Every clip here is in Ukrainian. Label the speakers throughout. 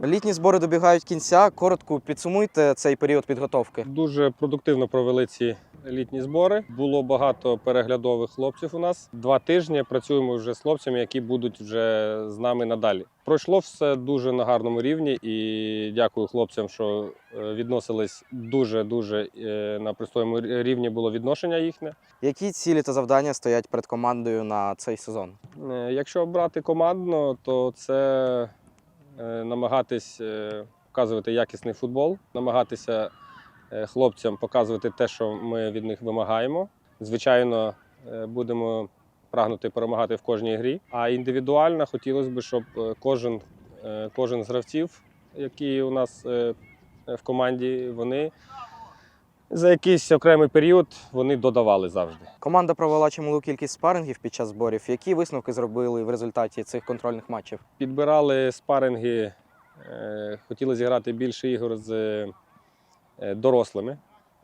Speaker 1: Літні збори добігають кінця. Коротко підсумуйте цей період підготовки.
Speaker 2: Дуже продуктивно провели ці літні збори. Було багато переглядових хлопців у нас. 2 тижні працюємо вже з хлопцями, які будуть вже з нами надалі. Пройшло все дуже на гарному рівні і дякую хлопцям, що відносились дуже на пристойному рівні було відношення їхнє.
Speaker 1: Які цілі та завдання стоять перед командою на цей сезон?
Speaker 2: Якщо брати командно, то це намагатись показувати якісний футбол, намагатися хлопцям показувати те, що ми від них вимагаємо. Звичайно, будемо прагнути перемагати в кожній грі. А індивідуально хотілося б, щоб кожен з гравців, які у нас в команді, вони за якийсь окремий період вони додавали завжди.
Speaker 1: Команда провела чималу кількість спарингів під час зборів. Які висновки зробили в результаті цих контрольних матчів?
Speaker 2: Підбирали спаринги, хотіли зіграти більше ігор з дорослими.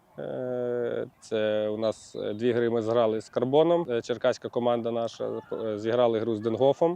Speaker 2: Це у нас 2 гри ми зграли з Карбоном, черкаська команда наша, зіграли гру з Денгофом.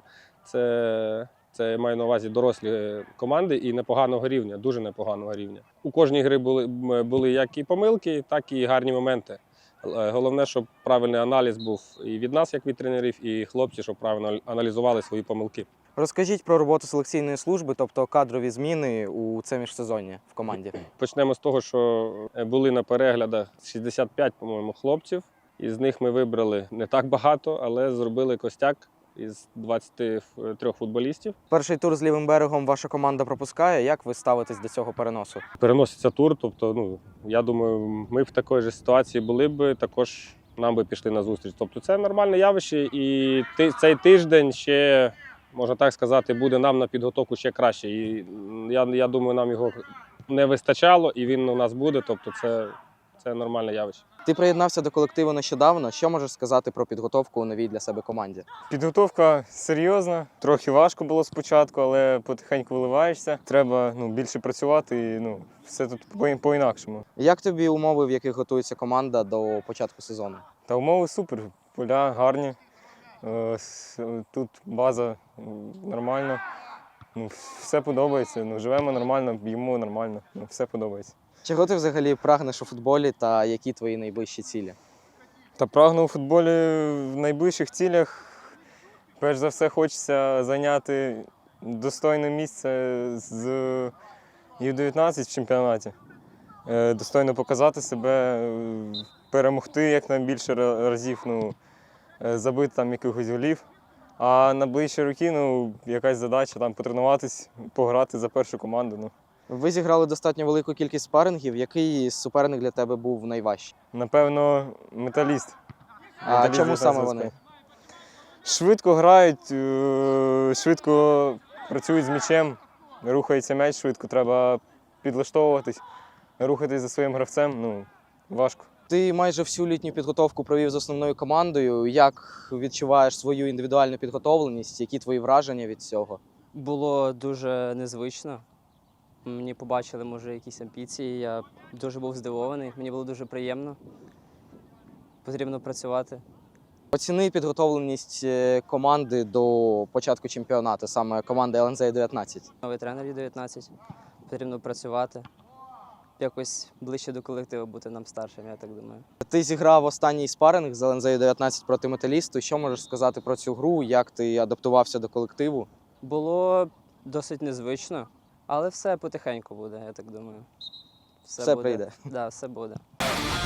Speaker 2: Це маю на увазі дорослі команди і непоганого рівня, дуже непоганого рівня. У кожній грі були як і помилки, так і гарні моменти. Головне, щоб правильний аналіз був і від нас, як від тренерів, і хлопці, щоб правильно аналізували свої помилки.
Speaker 1: Розкажіть про роботу селекційної служби, тобто кадрові зміни у це міжсезоння в команді.
Speaker 2: Почнемо з того, що були на переглядах 65, по-моєму, хлопців. Із них ми вибрали не так багато, але зробили костяк із 23 футболістів.
Speaker 1: Перший тур з лівим берегом ваша команда пропускає. Як ви ставитесь до цього переносу?
Speaker 2: Переноситься тур, тобто, я думаю, ми в такій ж ситуації були б, також нам би пішли на зустріч. Тобто це нормальне явище і цей тиждень ще, можна так сказати, буде нам на підготовку ще краще. І я думаю, нам його не вистачало і він у нас буде, тобто це нормальне явище.
Speaker 1: Ти приєднався до колективу нещодавно. Що можеш сказати про підготовку у новій для себе команді?
Speaker 3: Підготовка серйозна, трохи важко було спочатку, але потихеньку виливаєшся. Треба більше працювати і все тут по-інакшому.
Speaker 1: Як тобі умови, в яких готується команда до початку сезону?
Speaker 3: Та умови супер, поля гарні, тут база нормальна, все подобається, живемо нормально, б'ємо нормально, все подобається.
Speaker 1: Чого ти взагалі прагнеш у футболі та які твої найближчі цілі?
Speaker 3: Та прагну у футболі в найближчих цілях. Перш за все хочеться зайняти достойне місце з Ю-19 в чемпіонаті. Достойно показати себе, перемогти якнайбільше разів, забити там якихось голів. А на ближчі роки якась задача потренуватись, пограти за першу команду.
Speaker 1: Ви зіграли достатньо велику кількість спарингів. Який суперник для тебе був найважчий?
Speaker 3: Напевно, Металіст.
Speaker 1: А чому саме вони?
Speaker 3: Швидко грають, швидко працюють з м'ячем, рухається м'яч швидко, треба підлаштовуватись, рухатись за своїм гравцем, важко.
Speaker 1: Ти майже всю літню підготовку провів з основною командою. Як відчуваєш свою індивідуальну підготовленість? Які твої враження від цього?
Speaker 4: Було дуже незвично. Мені побачили, може, якісь амбіції. Я дуже був здивований. Мені було дуже приємно. Потрібно працювати.
Speaker 1: Оціни підготовленість команди до початку чемпіонату, саме команди ЛНЗ Ю-19.
Speaker 4: Новий тренер Ю-19. Потрібно працювати. Якось ближче до колективу бути нам старшим, я так думаю.
Speaker 1: Ти зіграв останній спаринг з ЛНЗ Ю-19 проти Металісту. Що можеш сказати про цю гру? Як ти адаптувався до колективу?
Speaker 4: Було досить незвично, але все потихеньку буде, я так думаю.
Speaker 1: Все прийде.
Speaker 4: Так, все буде.